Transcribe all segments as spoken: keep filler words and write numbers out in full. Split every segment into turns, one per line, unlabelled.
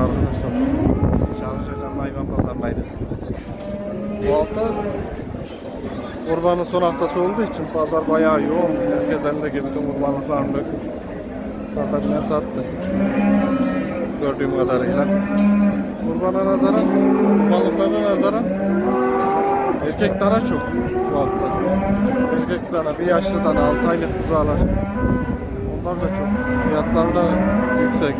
arkadaşlar. Çalışacağım hayvan pazarındaydı. Bu hafta kurbanın son haftası olduğu için pazar bayağı yoğun. Herkes elindeki bütün kurbanlıklarını dökmüş. Satabilen sattı. Gördüğüm kadarıyla. Kurbana nazaran, kurbanlıklarına nazaran erkek dana çok bu hafta. Erkek dana, bir yaşlı dana, altı aylık buzağlar. Onlar da çok. Fiyatları da yüksek.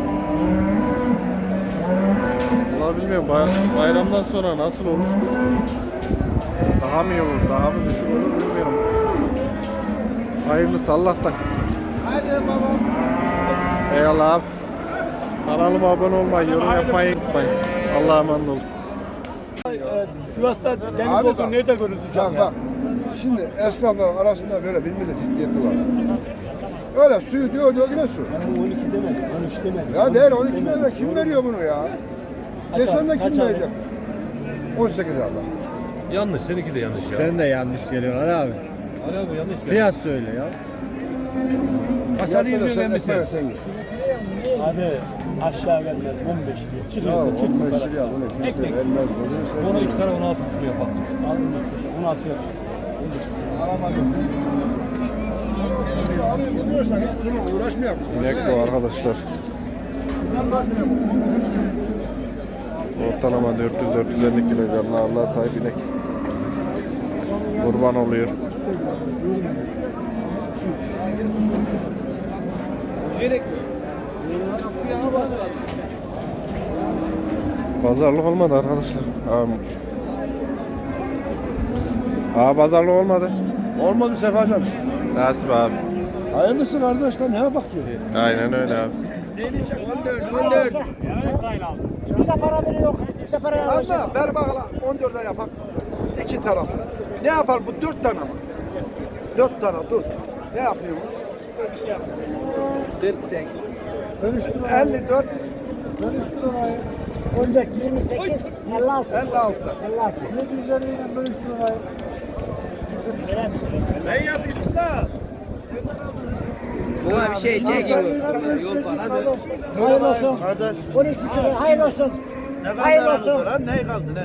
Vallahi bilmiyorum, bayramdan sonra nasıl olur? Daha mı iyi olur, daha mı düşük olur bilmiyorum. Hayırlısı Allah'tan.
Hadi babam.
Eyvallah abi. Kanalıma abone olmayı, yorum yapmayı unutmayın. Allah'a emanet olun.
Sivas'ta deniz
Abi
oldu,
bak.
nerede görüldü
Bak
can ya?
bak. Şimdi esnafların arasında böyle bir millet ciddiyeti var. Öyle suyu diyor diyor yine su.
Ben on iki demedim, on üç demedim.
Ya ver on iki lira kim veriyor bunu ya?
Kaç
Desen de
abi, kaç
kim
abi?
verecek? on sekiz Allah.
Yanlış, seninki de yanlış ya.
Sen de yanlış geliyorsun Ali abi.
Ali abi yanlış geldi.
Fiyat söyle ya.
Kaçar
Yapma da
yirmi
sen
mi
ekmeğe
sen?
sen git.
Abi aşağı gelmez on beş diye.
Ya
Çıkıyorsa
on
çırpın
beş
parası.
liraya bunu kimse
Ekmek.
vermez. Bunu
Ona
sen
iki tane on altı buçuk yapalım.
Aldım on altı yap.
alamadım. Alayım bu diyorsan hiç bununla uğraşmayalım.
İnek bu arkadaşlar. Ortalama dört yüz dört yüz elli kilogramla Allah sahip inek. Kurban oluyor. Pazarlık olmadı arkadaşlar. Abi. Aa pazarlık olmadı.
Olmadı Sefacan.
Nasip abi.
Hayırlısı kardeşler neye bakıyor?
Aynen öyle abi.
Bize para veriyor. Bize para veriyor.
Abla ver bakalım on dörde yapak. İki taraflı. Ne yapar bu? Dört tane mi? Dört tane dur. Ne yapıyoruz? elli dört,
on dört, yirmi sekiz, elli altı.
elli altı.
elli altı.
Ne üzeriyle bölüştü lirayı?
Ben yapayım usta.
Buna bir şey çekin. Hayırlı olsun.
Kardeş.
on üç buçuk lira. Hayırlı olsun. Hayırlı olsun.
Lan ne kaldı ne?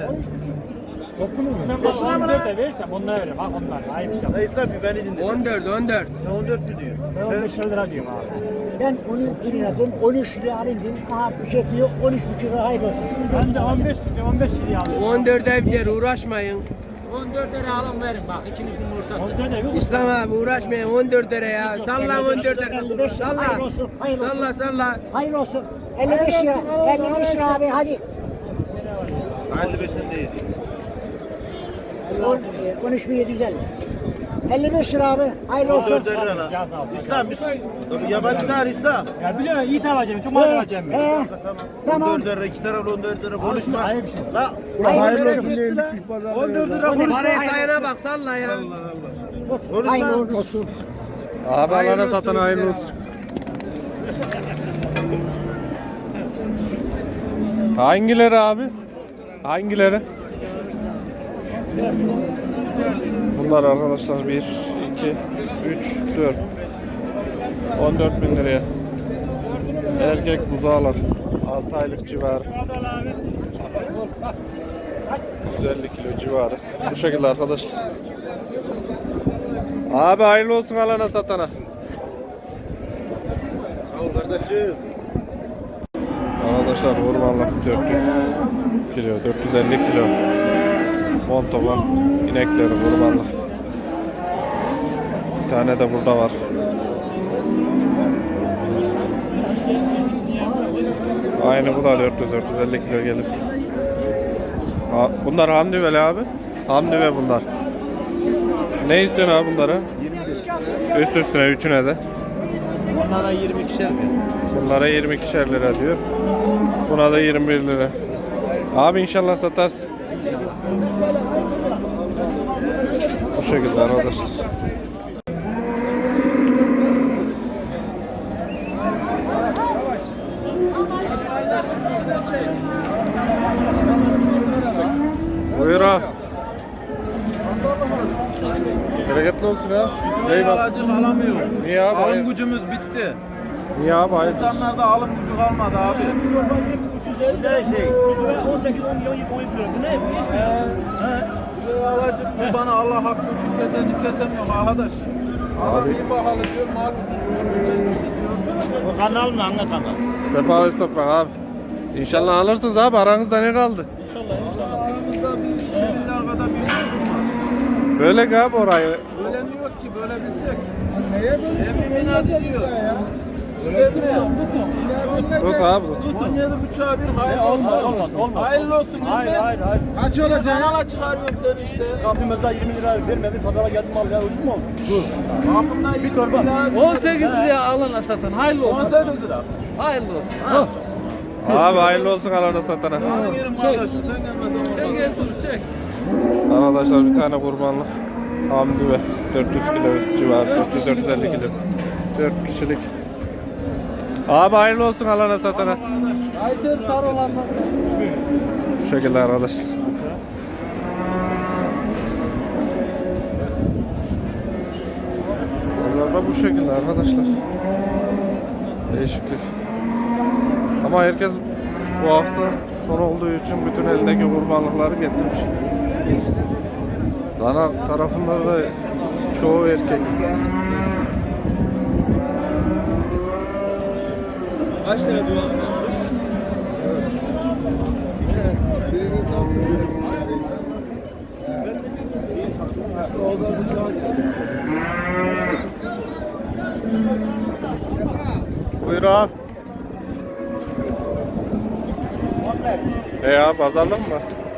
Ben on dörde verirsem onlara veririm. Bak onlar. Ayıp şey.
Ne İslam bir beni dinle.
on dört, on dört.
Sen on dört mü diyor?
Ben on beş lira diyorum abi.
Ben on üç liradım. on üç liraya alayım dedim. Aha bu şey diyor. on üç buçuk lira hayırlı olsun.
Ben de on beş tutuyorum. on beş liraya alıyorum.
on dörde biter uğraşmayın.
on dörde alın verin bak. İkinizin ortası. on dörde bir
İslam abi uğraşmayın on dörde ya. Salla on dörde.
elli beş lira.
Salla.
Hayırlı olsun. Hayırlı olsun.
Salla salla.
Hayırlı olsun. elli beş lira. elli beş lira abi hadi.
elli beşten değil.
on üç bin yedi yüz elli. elli beş lira abi. Hayırlı olsun.
dört lira lan. İslam biz yabancı değil İslam.
Ya biliyorum iyi alacağım. Çok mal alacağım ben.
He. Tamam.
on dört lira iki taraflı on dört lira konuşma.
Ayıp şey.
La
Hayırlı olsun.
on dört lira konuşma.
Parayı sayana bak salla ya.
Hayırlı olsun.
Abi alana satan hayırlı olsun. Hangileri abi? Hangileri? Bunlar arkadaşlar bir, iki, üç, dört. on dört bin liraya. Erkek buzağlar. altı aylık civarı. yüz elli kilo civarı. Bu şekilde arkadaşlar. Abi hayırlı olsun alana satana.
Sağ ol kardeşim.
Arkadaşlar ormanlık dört yüz kilo, dört yüz elli kilo. Montoban inekleri ormanlık. Bir tane de burada var. Aynı bu da dört yüz dört yüz elli kilo gelir. Ha, bunlar hamdüveli abi. Hamdüve bunlar. Ne istiyorsun abi bunlara? Üst üstüne üçüne de.
Bunlara yirmi ikişer mi?
Bunlara yirmi ikişer lira diyor. Buna da yirmi bir lira. Abi inşallah satarsın. Bu şekilde arkadaşlar. Buyur abi. Bereketli olsun ya. Eyvallah.
Alacak alamıyor.
Niye abi?
Alım gücümüz bitti.
Niye abi? Hayır.
İnsanlarda alım gücü kalmadı abi.
Bu ne şey? on sekiz on milyon yık oyun Bu ne?
Bu alacak bu bana Allah hakkı için kesecek kesemiyor arkadaş. Adam iyi bahalı diyor, mal ucuz diyor.
O kanal mı? Hangi kanal?
Sefa Öztoprak abi. İnşallah alırsınız abi. Aranızda ne kaldı?
Aramızda bir şeyler kadar bir var.
Böyle ki abi orayı.
Öyle mi yok ki böyle bilsek. Neye böyle? Emin adı diyor. Öyle mi?
Tut abi tut.
on yedi buçuğa bir hayırlı olsun. Hayırlı olsun.
Hayır hayır hayır.
Kaç olacak? Kanala çıkarıyorum seni işte.
Kapımızda yirmi lira vermedi. Pazara geldim al ya ucuz mu oldu?
Kapımdan bir torba.
on sekiz liraya alana satan. Hayırlı
on sekiz lira.
Hayırlı olsun.
Abi hayırlı olsun alana satana.
Benim yerim kardeşim sen gelmezsen
Çek
olmaz.
gel dur çek.
Arkadaşlar bir tane kurbanlık. Hamdi ve dört yüz kilo civarı. dört yüz dört yüz elli kilo. dört kişilik. Abi hayırlı olsun alana satana.
Kayseri sarı olandan
Bu şekilde arkadaşlar. Bunlar da bu şekilde arkadaşlar. Değişiklik. Ama herkes bu hafta son olduğu için bütün elindeki kurbanlıkları getirmiş. Dana tarafında da çoğu erkek.
Kaç lira diyor abi şimdi?
Buyur abi. E ya pazarlık mı?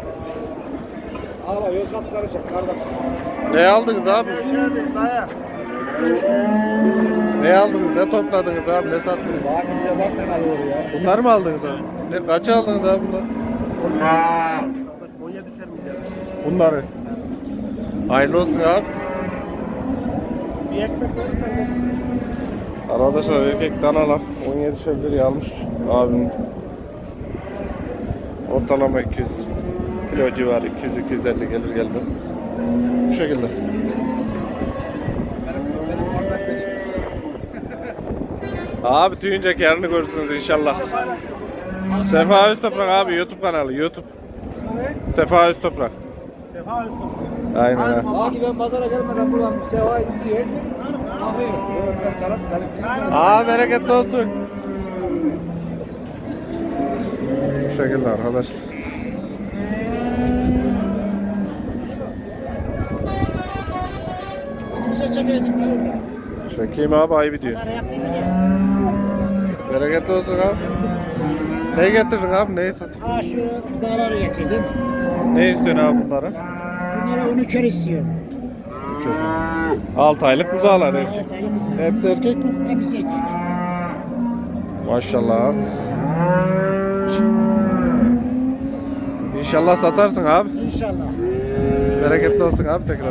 Ama Yozgat karışık kardeşim.
Ne aldınız abi? Ne aldınız? Ne topladınız abi? Ne sattınız?
Bakınca bak ne alıyor ya.
Bunları mı aldınız abi? Ne, kaça aldınız abi bunları? Bunları. Hayırlı olsun abi.
Bir ekmek
Arkadaşlar erkek danalar on yedi liraya almış abim. Ortalama iki yüz kilo civarı iki yüz iki yüz elli gelir gelmez. Bu şekilde. Abi tüyünce yarını görürsünüz inşallah. Sefa Öztoprak abi YouTube kanalı YouTube. Sefa Öztoprak.
Sefa Öztürk.
Aynen ha.
Hadi ben pazara gelmeden buradan bir seva izliyor. Bakıyor.
Aa bereketli olsun. Bu şekilde arkadaşlar.
Bize çekeydik burada.
Çekeyim abi ayıp diyor.
Pazara yaptığını diye.
Bereketli olsun abi. Ne getirdin abi? Neyi satıyorsun?
Ha şu zararı getirdim.
Ne istiyorsun abi bunlara?
Bunlara on üçer istiyorum.
altı aylık buzağlar erkek.
Evet Ali bize.
Hepsi erkek mi?
Hepsi erkek.
Maşallah abi. İnşallah satarsın abi.
İnşallah.
Bereketli olsun abi tekrar.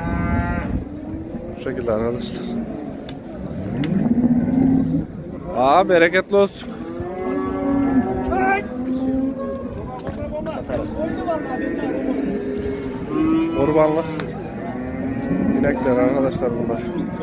Bu şekilde arkadaşlar. Aa bereketli olsun. Kurbanlık. İnekler arkadaşlar bunlar.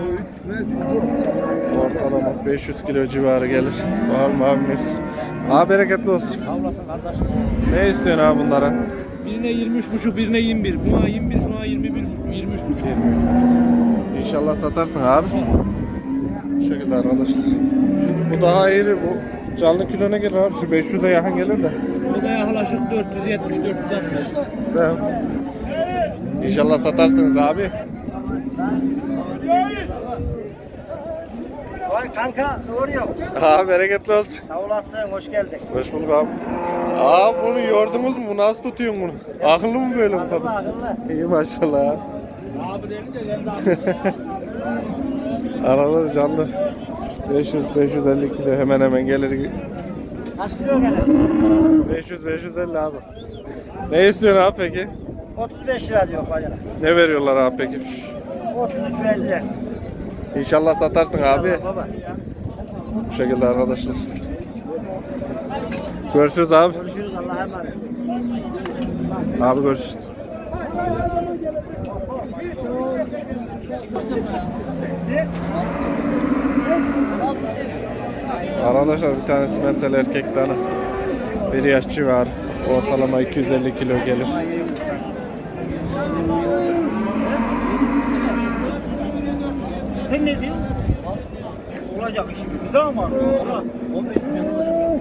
Ortalama beş yüz kilo civarı gelir. Var mı abimiz? Aa bereketli olsun. Ne istiyorsun abi bunlara?
Birine yirmi üç buçuk, birine yirmi bir. Buna yirmi bir, şuna yirmi bir buçuk, yirmi üç buçuk.
İnşallah satarsın abi. Bu şekilde arkadaşlar. Bu daha iyi. Bu canlı kilo ne gelir abi? Şu beş yüze yakın gelir de.
O da yaklaşık dört yüz yetmiş, dört yüz altmış.
Tamam. İnşallah satarsınız abi.
Vay kanka doğru yok.
Abi bereketli olsun.
Sağ olasın hoş geldin.
Hoş bulduk abi. Abi bunu yordunuz mu? Nasıl tutuyorsun bunu? Akıllı mı böyle bu
Akıllı
kadar?
akıllı.
İyi maşallah abi.
Abi denince geldi abi.
Arada canlı beş yüz beş yüz elli kilo hemen hemen gelir.
Kaç kilo gelir?
beş yüz beş yüz elli abi. Ne istiyorsun abi peki?
otuz beş lira diyor bacana.
Ne veriyorlar abi peki?
otuz üç elli lira.
İnşallah satarsın abi.
Baba.
Bu şekilde arkadaşlar. Görüşürüz abi.
Görüşürüz Allah'a emanet.
Abi görüşürüz. Arkadaşlar bir tane simental erkek dana. Bir yaşçı var. Ortalama iki yüz elli kilo gelir.
Sen ne diyorsun? Olacak iş mi? Bize ama. on beş milyon.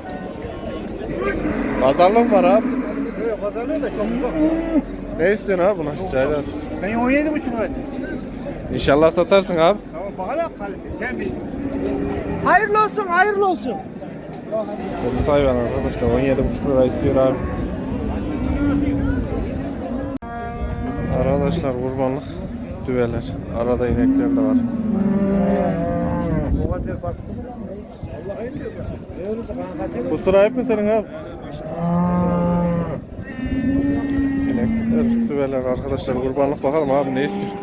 Pazarlık var abi.
Yok pazarlığı da çok uzak.
Ne istiyorsun abi buna? Çaylar.
Ben on yedi buçuk lira.
İnşallah satarsın abi.
Tamam bakalım kalite. Temiz. Hayırlı olsun, hayırlı olsun.
Kırmızı hayvan arkadaşlar on yedi buçuk lira istiyor abi. Arkadaşlar kurbanlık düveler. Arada inekler de var. Bu sıra hep mi senin abi? İnekler, düveler arkadaşlar kurbanlık bakalım abi ne istiyor?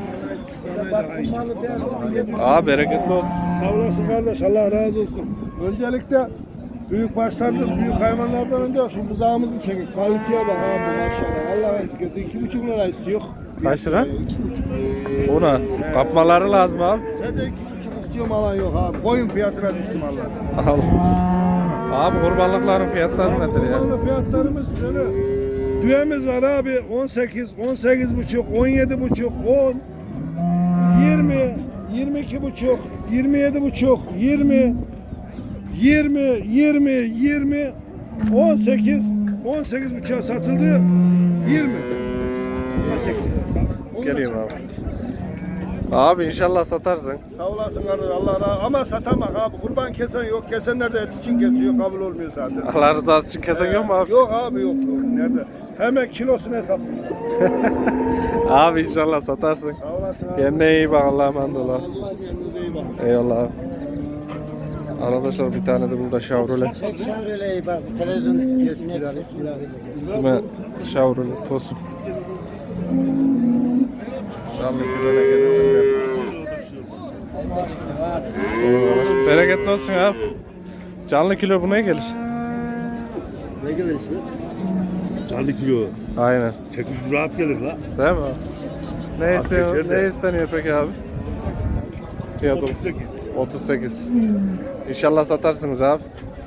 Abi bereketli olsun.
Sağ olasın kardeş, Allah razı olsun. Öncelikle büyük başlardan, büyük hayvanlardan önce şu buzağımızı çekin. Kaliteye bak abi maşallah. Allah etkisi iki buçuk lira istiyor.
Kaç lira?
İki buçuk.
Ona kapmaları lazım abi.
Sen de iki buçuk istiyorum alan yok abi. Koyun fiyatına düştüm Allah.
Al. Abi kurbanlıkların fiyatları nedir ya?
Kurbanlık fiyatlarımız şöyle. Düğemiz var abi on sekiz, on sekiz buçuk, on yedi buçuk, on, yirmi, yirmi iki buçuk, yirmi yedi buçuk, yirmi, yirmi, yirmi, yirmi, on sekiz, on sekiz buçuğa satıldı, yirmi.
Geleyim abi. Abi inşallah satarsın.
Sağ olasın kardeş, Allah razı ama satamak abi. Kurban kesen yok, kesenler de et için kesiyor, kabul olmuyor zaten.
Allah rızası için kesen yok mu abi?
Yok abi yok, yok. Nerede? Hemen kilosunu hesaplıyor.
Abi inşallah satarsın.
Sağ olasın abi.
Kendine iyi bak Allah'a emanet ol abi.
Kendinize iyi bakın.
Eyvallah abi. Arkadaşlar bir tane de burada Chevrolet.
Şavrele'yi bak televizyon görsün herhalde.
İsmi Chevrolet Tosun. Canlı kilona gelir mi? Bereketli olsun abi. Canlı kilo bu ne gelir?
Ne gelir ismi?
Canlı kilo.
Aynen.
sekiz yüz rahat gelir la.
Değil mi? Ne isteniyor?
geçer de.
Ne isteniyor peki abi? Fiyat
otuz sekiz.
otuz sekiz. İnşallah satarsınız abi.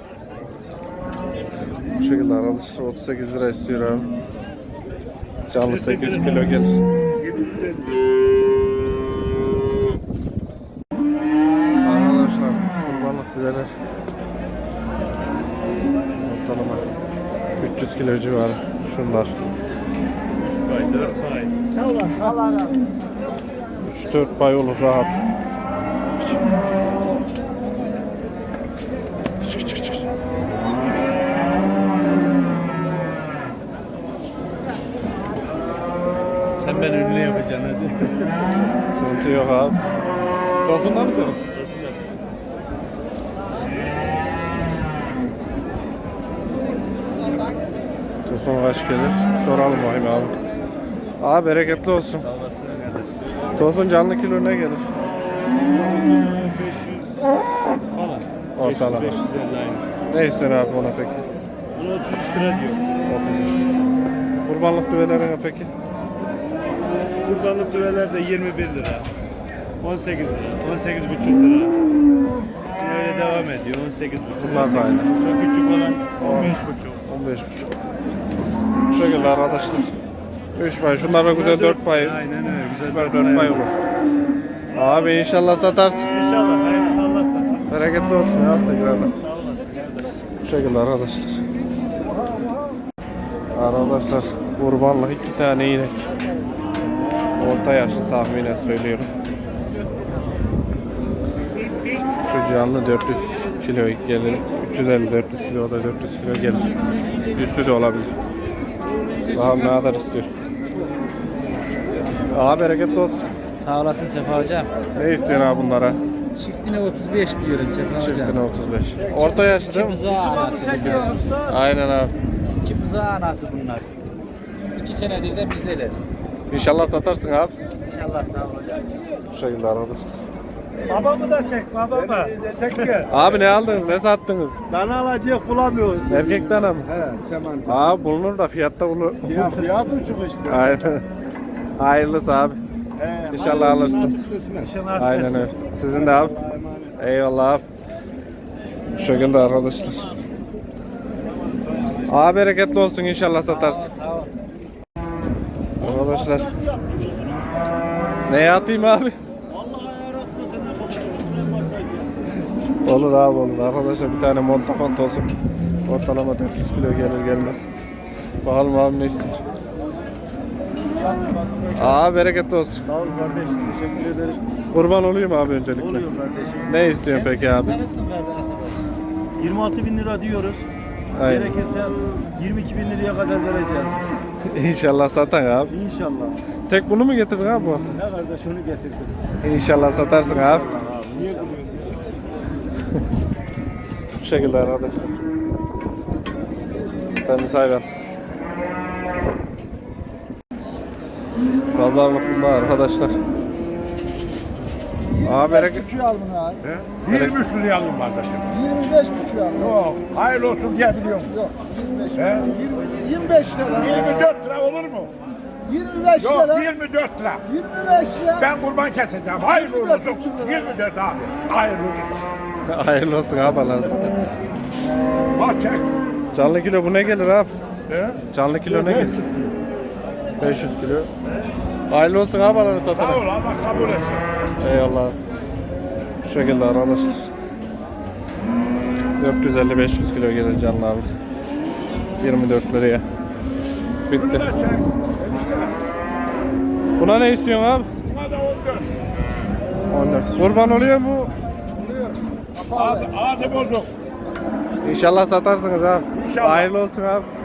Bu şekilde arkadaşlar otuz sekiz lira istiyor abi. Canlı sekiz yüz kilo gelir. Arkadaşlar kurbanlık düveler ortalama üç yüz kilo civarı şunlar.
Sağ olasın. Allah razı olsun.
üç dört pay olur rahat.
Sen ben ünlü yapacaksın hadi.
Sıkıntı yok abi. Tozundan mı senin? Tosun kaç gelir? Soralım bakayım abi. Abi bereketli olsun. Tosun canlı kilo ne gelir?
beş yüz falan.
Ortalama.
beş yüz elli aynı.
Ne istiyorsun abi ona peki?
Bunu otuz üç lira diyor.
otuz üç. Kurbanlık düvelerine peki?
Kurbanlık düveler de yirmi bir lira. on sekiz lira. on sekiz buçuk lira. Böyle devam ediyor. on sekiz buçuk.
Bunlar da aynı.
Şu küçük olan on beş buçuk.
on beş buçuk. Bu şekilde arkadaşlar. üç pay. Şunlar da güzel dört pay.
Aynen öyle. Güzel
Süper dört pay olur. Abi inşallah satarsın.
İnşallah. Hayırlısı Allah'tan.
Bereketli olsun ya tekrardan.
Sağ olasın.
Bu şekilde arkadaşlar. Arkadaşlar kurbanlık iki tane inek. Orta yaşlı tahminen söylüyorum. Şu canlı dört yüz kilo gelir. üç yüz elli dört yüz kilo, o da dört yüz kilo gelir. Üstü de olabilir. Bakalım ne kadar istiyor. Aha bereketli olsun.
Sağ olasın Sefa Hocam.
Ne istiyorsun abi bunlara?
Çiftine otuz beş diyorum Sefa Hocam.
Çiftine otuz beş. Orta yaşlı değil mi?
Buzağı anası bunlar.
Aynen abi.
İki buzağı anası bunlar. İki senedir de bizdeler.
İnşallah satarsın abi.
İnşallah sağ ol hocam.
Bu şekilde arkadaşlar.
Babamı da çek babamı. Çek ki.
Abi ne aldınız? Ne sattınız?
Dana alacak bulamıyoruz.
Erkek dana mı?
He seman.
Abi bulunur da fiyatta bulunur.
Ya fiyat uçuk işte.
Aynen. Hayırlısı abi.
He,
İnşallah alırsınız.
İnşallah
Aynen öyle. Sizin de abi. Eyvallah abi. Bu şekilde arkadaşlar. Abi bereketli olsun, inşallah satarsın. Arkadaşlar. Neye atayım abi?
Vallahi ayar atma sen de bakayım.
Olur abi olur. Arkadaşlar bir tane montafont olsun. Ortalama dört yüz kilo gelir gelmez. Bakalım abi ne istiyor. Abi bereketli olsun.
Sağ ol kardeş. Teşekkür ederim.
Kurban olayım abi öncelikle.
Oluyor kardeşim.
Ne istiyorsun peki abi?
Tanısın kardeş. yirmi altı bin lira diyoruz.
Aynen.
Gerekirse yirmi iki bin liraya kadar vereceğiz.
İnşallah satan abi.
İnşallah.
Tek bunu mu getirdin abi bu hafta?
Ne kardeş onu getirdim.
İnşallah satarsın abi.
Abi, niye gülüyorsun?
Bu şekilde arkadaşlar. Temiz hayvan. Pazarlık bunda arkadaşlar. Abi bereket.
Buçuğu al bunu abi.
yirmi
üç liraya alayım kardeşim.
yirmi beş buçuğu al.
Yok, hayırlı olsun diye biliyorum.
Yok yirmi beş.
He?
yirmi beş lira.
yirmi dört lira olur mu?
yirmi beş
Yok,
lira.
yirmi dört lira.
yirmi beş lira.
Ben kurban keseceğim. Hayırlı
yirmi dört
olsun.
buçuk lira.
yirmi dört abi. Hayırlı olsun.
Hayırlı olsun abi Allah'ın sana.
Bak çek.
Canlı kilo bu ne gelir abi?
He?
Canlı kilo ne gelir? beş yüz kilo. Hayırlı olsun abi Allah'ın
Sağ
satana.
ol, Allah kabul etsin.
Eyvallah. Bu şekilde arkadaşlar. dört yüz elli beş yüz kilo gelir canlı abi. yirmi dört liraya. Bitti.
Bunu da çek. Enişte.
Buna ne istiyorsun abi?
Buna da on dört.
on dört. Kurban oluyor mu?
Ağzı, ağzı bozuk.
İnşallah satarsınız abi.
İnşallah.
Hayırlı olsun abi.